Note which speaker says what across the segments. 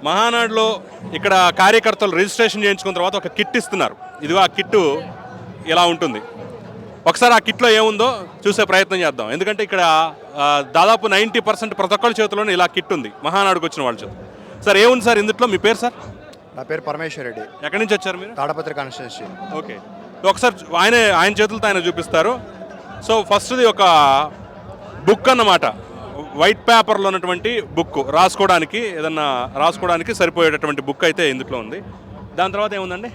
Speaker 1: మహానాడులో ఇక్కడ కార్యకర్తలు రిజిస్ట్రేషన్ చేయించుకున్న తర్వాత ఒక కిట్ ఇస్తున్నారు. ఇదిగో ఆ కిట్టు ఇలా ఉంటుంది. ఒకసారి ఆ కిట్లో ఏముందో చూసే ప్రయత్నం చేద్దాం. ఎందుకంటే ఇక్కడ దాదాపు 90% ప్రతి ఒక్కరి చేతిలోనే ఇలా కిట్ ఉంది మహానాడుకు వచ్చిన వాళ్ళ చేతి. సార్ ఏముంది సార్ ఇందులో? మీ పేరు సార్?
Speaker 2: నా పేరు పరమేశ్వర్ రెడ్డి.
Speaker 1: ఎక్కడి నుంచి వచ్చారు మీరు?
Speaker 2: తాడపత్రి కాన్స్టిట్యున్సీ.
Speaker 1: ఓకే, ఒకసారి ఆయన చేతులతో ఆయన చూపిస్తారు. సో ఫస్ట్ది ఒక బుక్ అన్నమాట, వైట్ పేపర్లో ఉన్నటువంటి బుక్, రాసుకోవడానికి సరిపోయేటటువంటి బుక్ అయితే ఇందులో ఉంది. దాని తర్వాత ఏముందండి?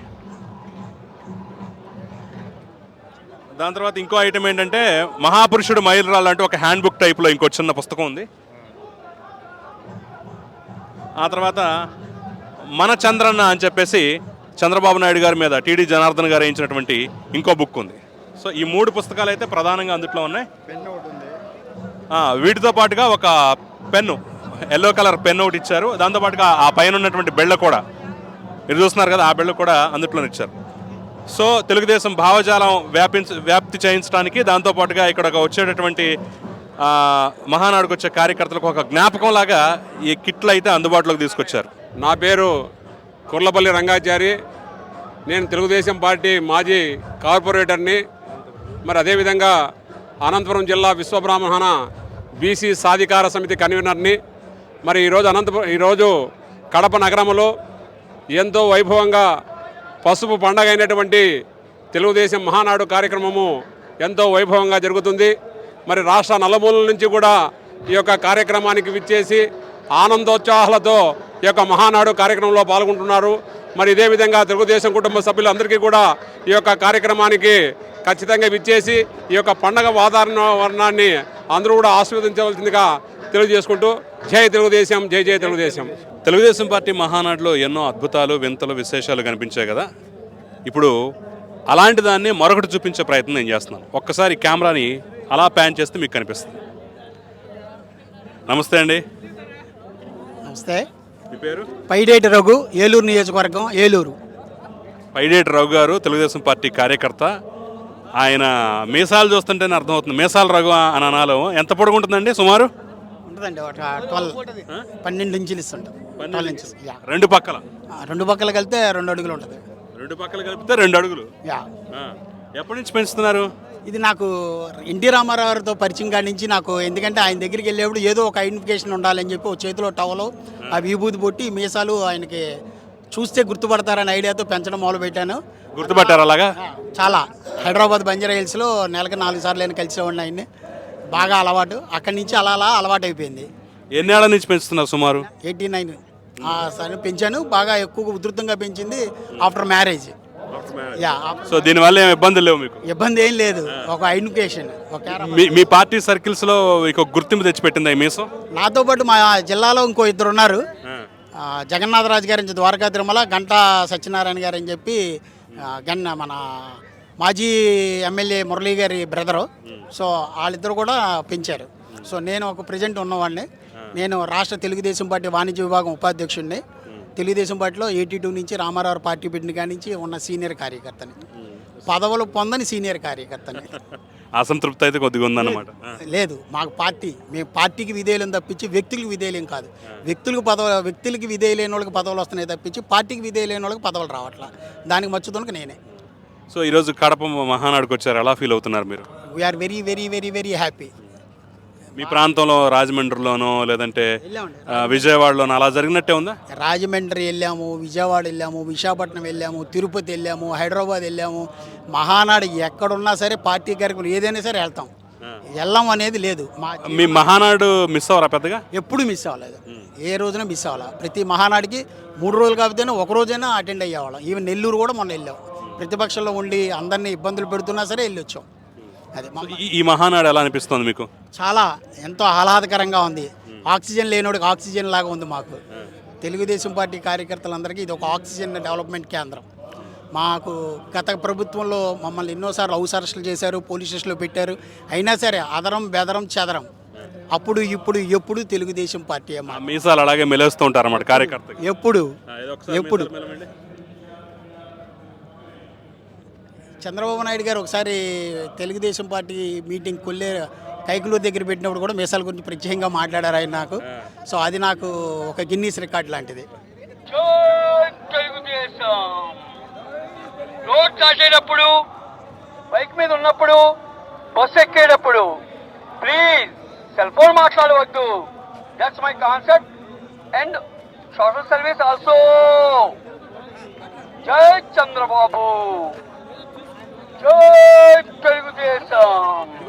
Speaker 1: దాని తర్వాత ఇంకో ఐటమ్ ఏంటంటే మహాపురుషుడు మైలురాళ్ళు అంటే ఒక హ్యాండ్ బుక్ టైప్లో ఇంకో చిన్న పుస్తకం ఉంది. ఆ తర్వాత మన చంద్రన్న అని చెప్పేసి చంద్రబాబు నాయుడు గారి మీద టీడీ జనార్దన్ గారు వేయించినటువంటి ఇంకో బుక్ ఉంది. సో ఈ 3 పుస్తకాలు అయితే ప్రధానంగా అందులో ఉన్నాయి. వీటితో పాటుగా ఒక పెన్ను, ఎల్లో కలర్ పెన్ ఒకటి ఇచ్చారు. దాంతోపాటుగా ఆ పైన ఉన్నటువంటి బెళ్ళ కూడా మీరు చూస్తున్నారు కదా, ఆ బెళ్ళ కూడా అందులో ఇచ్చారు. సో తెలుగుదేశం భావజాలం వ్యాప్తి చేయించడానికి, దాంతోపాటుగా ఇక్కడ వచ్చేటటువంటి మహానాడుకు వచ్చే కార్యకర్తలకు ఒక జ్ఞాపకం లాగా ఈ కిట్లు అయితే అందుబాటులోకి తీసుకొచ్చారు.
Speaker 3: నా పేరు కుర్లపల్లి రంగాచారి. నేను తెలుగుదేశం పార్టీ మాజీ కార్పొరేటర్ని. మరి అదేవిధంగా అనంతపురం జిల్లా విశ్వబ్రాహ్మణ బీసీ సాధికార సమితి కన్వీనర్ని. మరి ఈరోజు కడప నగరంలో ఎంతో వైభవంగా పసుపు పండగ అయినటువంటి తెలుగుదేశం మహానాడు కార్యక్రమము ఎంతో వైభవంగా జరుగుతుంది. మరి రాష్ట్ర నలుమూలల నుంచి కూడా ఈ యొక్క కార్యక్రమానికి విచ్చేసి ఆనందోత్సాహాలతో ఈ యొక్క మహానాడు కార్యక్రమంలో పాల్గొంటున్నారు. మరి ఇదే విధంగా తెలుగుదేశం కుటుంబ సభ్యులందరికీ కూడా ఈ యొక్క కార్యక్రమానికి ఖచ్చితంగా విచ్చేసి ఈ యొక్క పండగ వాతావరణాన్ని అందరూ కూడా ఆస్వాదించవలసిందిగా తెలియజేసుకుంటూ జై తెలుగుదేశం, జై జై తెలుగుదేశం.
Speaker 1: తెలుగుదేశం పార్టీ మహానాడులో ఎన్నో అద్భుతాలు, వింతలు, విశేషాలు కనిపించాయి కదా. ఇప్పుడు అలాంటి దాన్ని మరొకటి చూపించే ప్రయత్నం నేను చేస్తున్నాను. ఒక్కసారి కెమెరాని అలా ప్యాన్ చేస్తే మీకు కనిపిస్తుంది. నమస్తే అండి.
Speaker 4: నమస్తే.
Speaker 1: మీ పేరు?
Speaker 4: పైడేటి రఘు, ఏలూరు నియోజకవర్గం, ఏలూరు.
Speaker 1: పైడేటి రఘు గారు తెలుగుదేశం పార్టీ కార్యకర్త. ఆయన మీసాలు చూస్తుంటేనే అర్థమవుతుంది. మీసాల రఘు అని అనాలో. ఎంత పొడుగు ఉంటుందండి సుమారు?
Speaker 4: ఉంటుందండి ఒక 12 ఇంచులు ఇస్తుంటాం. 12 ఇంచెస్.
Speaker 1: రెండు పక్కల?
Speaker 4: రెండు పక్కల కలిపితే 2 అడుగులు ఉంటుంది.
Speaker 1: రెండు పక్కల కలిపితే 2 అడుగులు. ఎప్పటి నుంచి పెంచుతున్నారు?
Speaker 4: ఇది నాకు ఎన్టీ రామారావు గారితో పరిచయం కాడి నుంచి నాకు, ఎందుకంటే ఆయన దగ్గరికి వెళ్ళేప్పుడు ఏదో ఒక ఐడెంటిఫికేషన్ ఉండాలని చెప్పి ఒక చేతిలో టవలు, ఆ విభూతి పొట్టి మీసాలు ఆయనకి చూస్తే గుర్తుపడతారని ఐడియాతో పెంచడం మొదలుపెట్టాను.
Speaker 1: గుర్తుపట్టారు అలాగా?
Speaker 4: చాలా. హైదరాబాద్ బంజారా హిల్స్లో నెలకు 4 సార్లు నేను కలిసేవాడిని ఆయన్ని. బాగా అలవాటు. అక్కడి నుంచి అలా అలవాటు అయిపోయింది.
Speaker 1: ఎన్నేళ్ల నుంచి పెంచుతున్నారు? సుమారు
Speaker 4: 89 సరే పెంచాను. బాగా ఎక్కువగా ఉధృతంగా పెంచింది ఆఫ్టర్ మ్యారేజ్.
Speaker 1: సో దీనివల్ల ఏం ఇబ్బందులు లేవు మీకు?
Speaker 4: ఇబ్బంది ఏం లేదు. ఒక ఐడెంటిఫికేషన్.
Speaker 1: మీ పార్టీ సర్కిల్స్ లో ఒక గుర్తింపు తెచ్చిపెట్టింది ఈ మీసం?
Speaker 4: నాతో పాటు మా జిల్లాలో ఇంకో 2 ఉన్నారు. జగన్నాథరాజు గారి నుంచి ద్వారకా తిరుమల, గంటా సత్యనారాయణ గారు అని చెప్పి మన మాజీ ఎమ్మెల్యే మురళీ గారి బ్రదరు. సో వాళ్ళిద్దరు కూడా పెంచారు. సో నేను ఒక ప్రెజెంట్ ఉన్నవాడిని. నేను రాష్ట్ర తెలుగుదేశం పార్టీ వాణిజ్య విభాగం ఉపాధ్యక్షుడిని. తెలుగుదేశం పార్టీలో 82 నుంచి రామారావు పార్టీ పెట్టిన కాడి నుంచి ఉన్న సీనియర్ కార్యకర్తని, పదవులు పొందని సీనియర్ కార్యకర్తని.
Speaker 1: అసంతృప్తి అయితే కొద్దిగా ఉందన్నమాట.
Speaker 4: లేదు, మాకు మేము పార్టీకి విధేయులం తప్పించి వ్యక్తులకు విధేయులేం కాదు. వ్యక్తులకి విధేయులైన వాళ్ళకి పదవులు వస్తున్నాయి తప్పించి పార్టీకి విధేయులైన వాళ్ళకి పదవులు రావట్లా. దానికి మచ్చుదోనికి నేనే.
Speaker 1: సో ఈరోజు కడప మహానాడుకు వచ్చారు, ఎలా ఫీల్ అవుతున్నారు మీరు?
Speaker 4: We are very very very very happy.
Speaker 1: మీ ప్రాంతంలో రాజమండ్రిలోనో లేదంటే విజయవాడలోనో అలా జరిగినట్టే ఉందా?
Speaker 4: రాజమండ్రి వెళ్ళాము, విజయవాడ వెళ్ళాము, విశాఖపట్నం వెళ్ళాము, తిరుపతి వెళ్ళాము, హైదరాబాద్ వెళ్ళాము. మహానాడు ఎక్కడున్నా సరే పార్టీ కార్యక్రమం ఏదైనా సరే వెళ్తాం. వెళ్ళాం అనేది లేదు.
Speaker 1: మీ మహానాడు మిస్ అవ్వరా పెద్దగా?
Speaker 4: ఎప్పుడు మిస్ అవ్వలేదు. ఏ రోజున మిస్ అవ్వాలా. ప్రతి మహానాడికి 3 రోజులు కాకపోతేనే ఒక రోజైనా అటెండ్ అయ్యేవాళ్ళం. ఈవెన్ నెల్లూరు కూడా మొన్న వెళ్ళాం. ప్రతిపక్షంలో ఉండి అందరినీ ఇబ్బందులు పెడుతున్నా సరే వెళ్ళొచ్చాం. అదే
Speaker 1: ఈ మహానాడు ఎలా అనిపిస్తుంది మీకు?
Speaker 4: చాలా ఎంతో ఆహ్లాదకరంగా ఉంది. ఆక్సిజన్ లేనోడికి ఆక్సిజన్ లాగా ఉంది మాకు. తెలుగుదేశం పార్టీ కార్యకర్తలందరికీ ఇది ఒక ఆక్సిజన్ డెవలప్మెంట్ కేంద్రం. మాకు గత ప్రభుత్వంలో మమ్మల్ని ఎన్నోసార్లు హౌస్ అరెస్టులు చేశారు, పోలీస్ స్టేషన్లో పెట్టారు. అయినా సరే అదరం బెదరం చెదరం. అప్పుడు ఇప్పుడు ఎప్పుడు తెలుగుదేశం పార్టీ.
Speaker 1: మీసాలు అలాగే మెలేస్తూ ఉంటారు అన్నమాట కార్యకర్త.
Speaker 4: ఎప్పుడు చంద్రబాబు నాయుడు గారు ఒకసారి తెలుగుదేశం పార్టీ మీటింగ్ కైకులూరు దగ్గర పెట్టినప్పుడు కూడా మీసాల గురించి ప్రత్యేకంగా మాట్లాడారు ఆయన నాకు. సో అది నాకు ఒక గిన్నీస్ రికార్డ్ లాంటిది.
Speaker 5: జై తెలుగుదేశం. రోడ్ దాటేటప్పుడు, బైక్ మీద ఉన్నప్పుడు, బస్సు ఎక్కేటప్పుడు ప్లీజ్ సెల్ ఫోన్ మాట్లాడవద్దు. That's my concept and social service also. జై చంద్రబాబు, జై తెలుగుదేశం.